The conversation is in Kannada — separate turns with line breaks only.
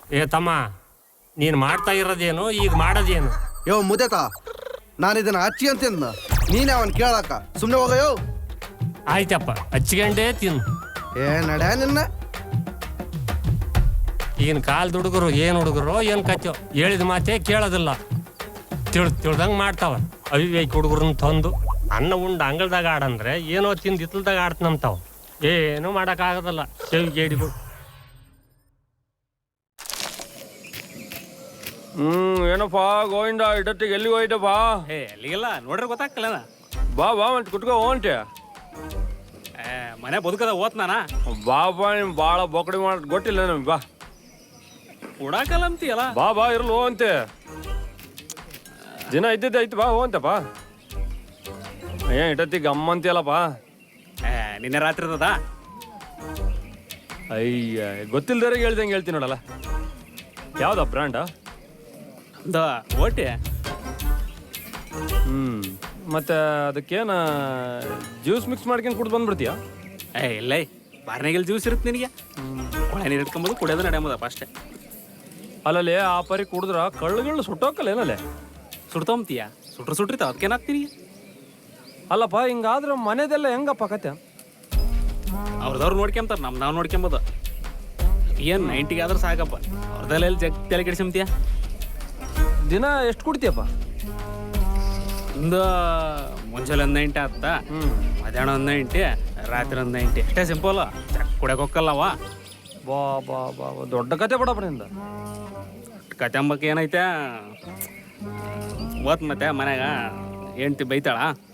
ಏ ತಮ್ಮ, ನೀನು ಮಾಡ್ತಾ ಇರೋದೇನು, ಈಗ ಮಾಡೋದೇನು?
ಯೋ ಮುದೇತ, ನಾನು ಇದನ್ನ ಹಚ್ಚಿ ಅಂತಿದ್ನ, ನೀನೇ ಅವನ್ ಕೇಳಕ್ಕ ಸುಮ್ಮನೆ ಹೋಗಯೋ.
ಆಯ್ತಪ್ಪ, ಹಚ್ಕೊಂಡೇ ತಿನ್ನು.
ಏ ನಡ್ಯಾ ನಿನ್ನ.
ಈಗಿನ ಕಾಲದ ಹುಡುಗರು ಏನು ಹುಡುಗರು ಏನು ಕಚ್ಚೋ, ಹೇಳಿದ ಮಾತೇ ಕೇಳೋದಿಲ್ಲ. ತಿಳ್ದಂಗೆ ಮಾಡ್ತಾವ. ಅವಿವೇಕ ಹುಡುಗರನ್ನ ತಂದು ಅನ್ನ ಉಂಡು ಅಂಗಳದಾಗ ಆಡಂದ್ರೆ ಏನೋ ತಿಂದು ಇತ್ತಲ್ದಾಗ ಆಡ್ತನಂತಾವ. ಏನೂ ಮಾಡೋಕ್ಕಾಗೋದಿಲ್ಲ ಸೇವಿಗೇಡಿಗಳು.
ಏನಪ್ಪ ಗೋವಿಂದ, ಇಡತ್ತಿಗೆ ಎಲ್ಲಿ ಹೋಯ್ತಪ್ಪ?
ಅಲ್ಲಿಗೆಲ್ಲ ನೋಡ್ರಿ ಗೊತ್ತಾಗ್ತಿಲ್ಲ.
ಬಾ ಬಾ ಮತ್ತೆ ಕುಟ್ಕೋ ಹೋಂಟೆ.
ಮನೆ ಬದುಕದ ಓದ್ನಾನ.
ಬಾ ಬಾ, ನಿಮ್ ಭಾಳ ಬೊಕಡಿ ಮಾಡೋದು ಗೊತ್ತಿಲ್ಲ ನಮ್ಗೆ. ಬಾ
ಕೊಡಾಕಲ್ಲ ಅಂತೀಯಲ್ಲ.
ಬಾ ಬಾ ಇರ್ಲು ಅಂತೆ. ದಿನ ಇದ್ದಿದ್ದೆ ಐತಿ, ಬಾ ಹೋಂತಪ್ಪ. ಏನ್ ಇಡತ್ತಿಗೆ ಅಮ್ಮ ಅಂತೀಯಲ್ಲಪ್ಪ?
ನಿನ್ನೆ ರಾತ್ರಿ ಇರ್ತದ.
ಅಯ್ಯ, ಗೊತ್ತಿಲ್ದಾರೆ ಹೇಳ್ದಂಗೆ ಹೇಳ್ತೀನಿ ನೋಡಲ್ಲ. ಯಾವ್ದ ಬ್ರ್ಯಾಂಡ?
ಓಟಿ.
ಮತ್ತೆ ಅದಕ್ಕೇನ ಜ್ಯೂಸ್ ಮಿಕ್ಸ್ ಮಾಡ್ಕೊಂಡು ಕುಡ್ದು ಬಂದ್ಬಿಡ್ತೀಯ?
ಇಲ್ಲ, ಬಾರ್ನಾಗೆಲ್ಲ ಜ್ಯೂಸ್ ಇರುತ್ತೆ ನಿನಗೆ. ಒಳ ನೀರು ಇಟ್ಕೊಂಬೋದು, ಕುಡಿಯೋದು ನಡೆಯಬೋದಪ್ಪ ಅಷ್ಟೇ.
ಅಲ್ಲಲ್ಲಿ ಆ ಪರಿ ಕುಡಿದ್ರ ಕಳ್ಳುಗಳು ಸುಟ್ಟೋಕಲ್ಲ ಏನಲ್ಲೇ?
ಸುಡ್ತೊಂತೀಯ? ಸುಟ್ರಿತಾವ, ಅದಕ್ಕೇನಾಗ್ತೀನಿ.
ಅಲ್ಲಪ್ಪ, ಹಿಂಗಾದ್ರೆ ಮನೆದೆಲ್ಲ ಹೆಂಗಪ್ಪ ಕತೆ?
ಅವ್ರದವ್ರು ನೋಡ್ಕೊಂತಾರೆ, ನಾವು ನೋಡ್ಕೊಂಬೋದು. ಏನು 90 ಆದ್ರೂ ಸಾಕಪ್ಪ. ಅವ್ರದೆಲ್ಲ ಎಲ್ಲಿ ತಲೆ ಕೆಡಿಸ್ಕೊಂತೀಯ?
ದಿನ ಎಷ್ಟು ಕುಡ್ತೀಯಪ್ಪ?
ಒಂದು ಮುಂಜಾನೆ 90 ಆತ, ಮಧ್ಯಾಹ್ನ 90, ರಾತ್ರಿ 90. ಅಷ್ಟೇ ಸಿಂಪಲ್. ಕುಡಿಯೋಕೆ ಹೋಗಲ್ಲವ.
ಬಾ ಬಾ ಬಾ, ದೊಡ್ಡ ಕತೆ ಬಿಡಪ್ಪ ನಿಂದ.
ಕತೆ ಅಂಬಕ್ಕೆ ಏನೈತೆ ಓದ್ ಮತ್ತೆ ಮನ್ಯಾಗ ಹೆಂಡ್ತಿ ಬೈತಾಳ.